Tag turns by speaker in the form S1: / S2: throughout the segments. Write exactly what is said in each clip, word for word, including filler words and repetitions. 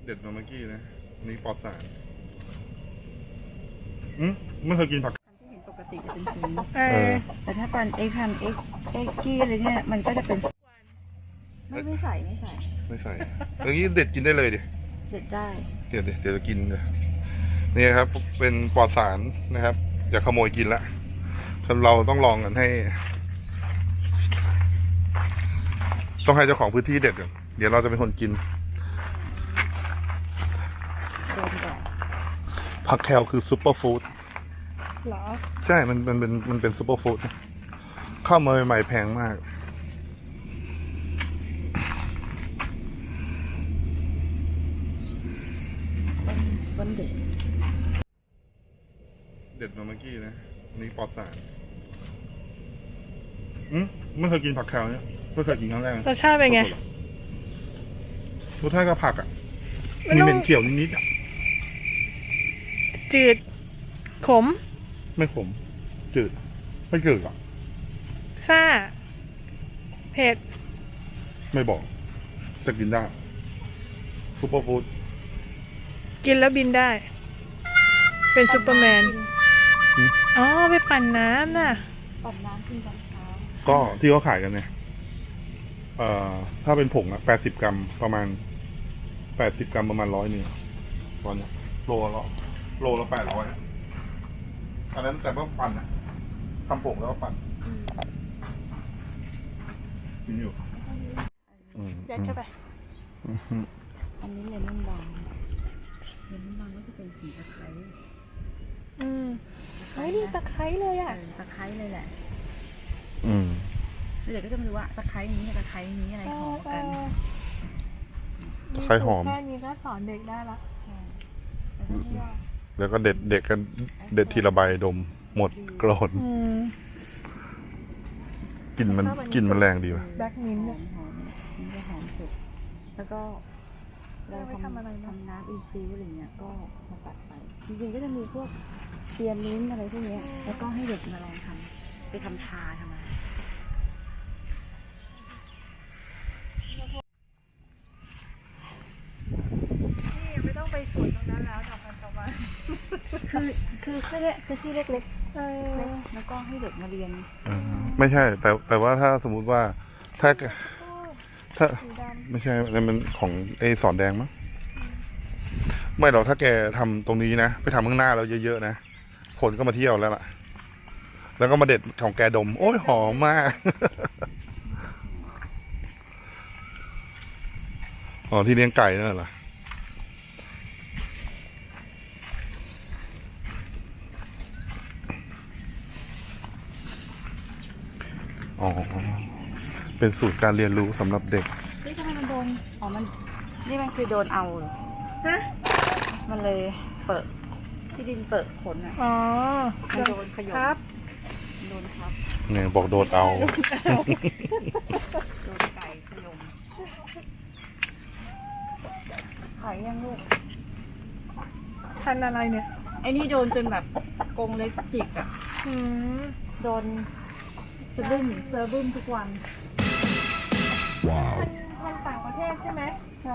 S1: เด็ดมาเมื่อกี้นะนี่ปลอดสารอืมไม่เคยกินผัก
S2: ที่เห็นปกติจะเป็นสี
S3: เออ
S2: แต่ถ้าเป็นเอ็กทันเอ็กเอ็กกี้อะไรเนี่ยมันก็จะเป็นไม่ไม่ใส่ไม่ใส่
S1: ไม่ใส่อย่างนี้เด็ดกินได้เลยดิ
S2: เด็ดได้
S1: เดี๋ยวเดี๋ยวเดี๋ยวจะกินเลยนี่ครับเป็นปลอดสารนะครับอย่าขโมยกินละเราต้องลองกันให้ต้องให้เจ้าของพื้นที่เด็ดก่อนเดี๋ยวเราจะเป็นคนกิน
S2: โดนแดด
S1: ผักแคลคือซุปเปอร์ฟู้ด
S3: เหรอ
S1: ใช่มันมันเป็นมันเป็นซุปเปอร์ฟู้ดข้าวเมยใหม่แพงมาก
S2: วันเด็ด
S1: เด็ดมาเมื่อกี้นะนี่ปลอดสารอืมไม่เคยกินผักแคลเนี่ยไม่เคยกินครั้งแรก
S3: รสชาติเป็นไง
S1: รสชาติก็ผักอ่ะ
S3: มัน
S1: มี
S3: ต้อง
S1: เป็นเกี่ยวนิดๆอ่ะ
S3: จืด ขม
S1: ไม่ขมจืดไม่จืดอ่ะ
S3: ซ่า เผ็ด
S1: ไม่บอกแต่กินได้ซุปเปอร์ฟู้ด
S3: กินแล้วบินได้ เป็นซูเปอร์แมน อ๋อ ไปปั่นน้ำน่ะ
S2: ปั่นน้ำกินตอนเช้า
S1: ก็ที่เขาขายกันเนี่ยเอ่อถ้าเป็นผงอ่ะแปดสิบกรัมประมาณแปดสิบกรัมประมาณร้อยหนึ่งตอนนี้โลละโลละแปดร้อยอันนั้นแต่ว่าปั่นนะทำผงแล้วก็ปั่นกินอยู่
S3: เด็ดเข้าไป
S2: อันนี้เลมอนบางเลมอนบางก็จะเป็นสีตะไคร้
S3: อืมเฮ้ยนี่ตะไคร้เลยอ่ะ
S2: ตะไคร้เลยแหละ
S1: อืม
S2: แล้วเดี๋ยวก็จะมาดูว่าตะไคร้นี้กับตะไคร้นี้อะไรหอมกัน
S1: ตะไคร้หอม
S3: แค่นี้ก็สอนเด็กได้ละ
S2: ใช่แล้วก็ที่ว่า
S1: แล้วก็เด็ดเด็กกันเด็ดทีละใบดมหมดโกรธ
S3: อืม
S1: กลิ่นมันกลิ่นมันแรงดีว่ะ
S3: แบล็กมิ้นท์
S2: หอ
S3: เนี่ย
S2: มหอมมันจะหอมสุดแล้วก็เรา
S3: เอาไว้ทำอะไรนะ
S2: ทำน้ำอินฟิวอะไรเงี้ยก็มาตัดไปจริงๆก็จะมีพวกเซียนลิ้นอะไรพวกเนี้ยแล้วก็ให้เด็กมาลองทำไปทำชาทำอะไร
S3: นี่ไม่ต้องไปสวนตรงนั้นแล้วดอกมันตะวัน
S2: คือคือแค่เนี้ยคือที่เล็ก
S3: เอ
S2: ๆ
S3: อ
S2: เล็กแล้วก็ให้เด็กมาเรียน
S1: อ่าไม่ใช่ แต่แต่ว่าถ้าสมมุติว่าถ้าถ้า
S3: สีดำ
S1: ไม่ใช่นั่นมันของไอ้สอนแดงมั้งไม่หรอกถ้าแกทำตรงนี้นะไปทำข้างหน้าเราเยอะๆนะคนก็มาเที่ยวแล้วล่ะ แล้วก็มาเด็ดของแกดม โอ้ยหอมมาก อ๋อที่เลี้ยงไก่นั่นเหรออ๋อเป็นสูตรการเรียนรู้สำหรับเด็ก
S2: นี่ทำไมมันโดนอ๋อมันนี่มันคือโดนเอาเหรอ
S3: ฮะ
S2: มันเลยเปิดที่ดินเปิดขนอ่ะ
S3: อ๋อ
S2: มันโดนขยม
S3: ครับ
S2: โดนครับ
S1: เนี่ยบอกโดดเอา
S2: โดนไก่ขยมขายยังลูก
S3: พันอะไรเนี่ย
S2: ไอ้นี่โดนจนแบบกรงเล็กจิกอ่ะ
S3: อืม
S2: โดนสะดุ้งเซอร์บึ้มทุกวัน
S1: ว้าว
S3: พันต่างประเทศใช่ไหม
S2: ใช่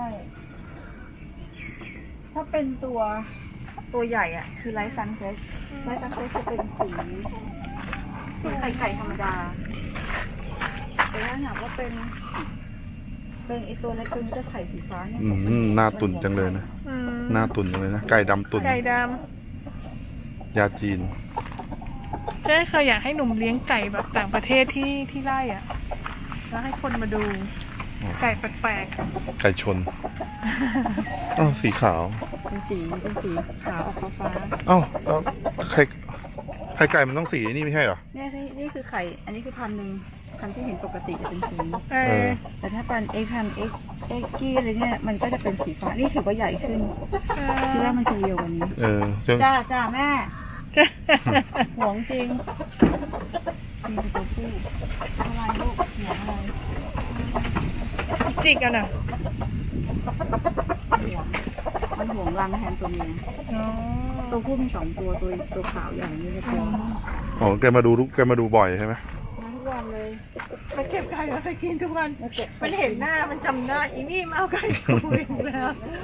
S2: ถ้าเป็นตัวตัวใหญ่อ่ะ คือไลท์ซันเซ็ตไลท์ซันเซ็ตจะเป็นสีสีไข่ไก่ธรรมดา แต่ถ้าหากว่าเป็น เป็นไอตัวเล็กตัวนี้จะไข่สีฟ้าเนี่ย
S1: อืมหน้าตุ่นจังเลยนะ
S3: อืม
S1: หน้าตุ่นจังเลยนะ ไก่ดำตุ่น
S3: ไก่ด
S1: ยาจีน
S3: ำเจ๊เคยอยากให้หนุ่มเลี้ยงไก่แบบต่างประเทศที่ที่ไร่อ่ะ แล้วให้คนมาดู ไก่แปลก
S1: ไก่ชน อ้าวสีขาว
S2: เป็นสีเป็นสีขาวออกฟ้า
S1: อ้าวแล้วไข่ไข่ไก่มันต้องสีนี่ไม่ใช่เหรอ
S2: ๆเนี่ยสินี่คือไข่ อันนี้คือพันหนึ่งพันที่เห็นปกติจะเป็นสี
S3: ๆเอ
S1: เอ
S3: อ
S1: อ
S2: แต่ถ้าเป็นเอ็กทันเอ็กเอ็กกี้อะไรเนี่ยมันก็จะเป็นสีฟ้า นี่ถือว่าใหญ่ขึ้นคิดว่ามันจะเรียวกว่านี้
S1: เออจะ
S2: จ้าจ้าแม่ หวงจริงนี่เป็นตัวผู้อะไรลูกหวงอะไร
S3: จิกกันอ่ะ
S2: หวงมันหวงรังแทนตัวเมีย
S3: อ๋อ
S2: ตัวผู้มีสองตัวตัวตัวขาวใหญ่นี่จะตัว
S1: อ๋อแกมาดูทุกแกมาดูบ่อยใช่ไหม
S2: มาทุกวันเลย
S3: มาเก็บไก่มาไปกินทุกวัน
S2: มาเก็บ
S3: มันเห็นหน้ามันจำหน้าอีนี่มาเอาไก่กูอีกแล้ว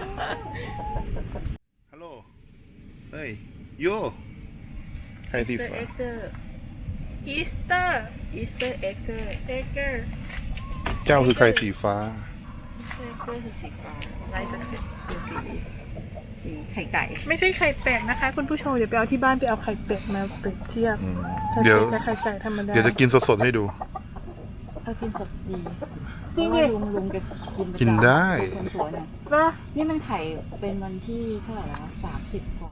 S1: ฮัลโหล เฮ้ยโย่ไข่สี
S2: อีสเตอร์
S1: ฟ้า
S2: เอ็กเกอร์
S3: อีสเตอร์
S2: อีสเตอร์เอ็กเกอร์
S3: เอเกอร์
S1: เจ้าคือไข่สีฟ้า
S2: อีสเตอร์เอ็กเกอร์คือสีฟ้าไลท์สักเซสคือสีสีไข่ไก่
S3: ไม่ใช่ไข่เป็ดนะคะ คุณผู้ชมเดี๋ยวไปเอาที่บ้านไปเอาไข่เป็ดมาเปรียบเทียบ
S1: อืม
S3: ไข่
S1: เดี๋ยว
S3: เป็ดกับไข่ไก่ธรรมดา
S1: เดี๋ยวจะกินสดๆให้ดู
S2: ถ้ากินสดดีเพ
S3: จริง
S2: ราะ
S3: ดิ
S2: ว่าลุงลุงแกกินประจำ
S1: กินได้
S2: คนสวยเนี่ย
S3: เหรอ
S2: นี่มันไข่เป็นวันที่เท่าไหร่แล้วสามสิบกว่า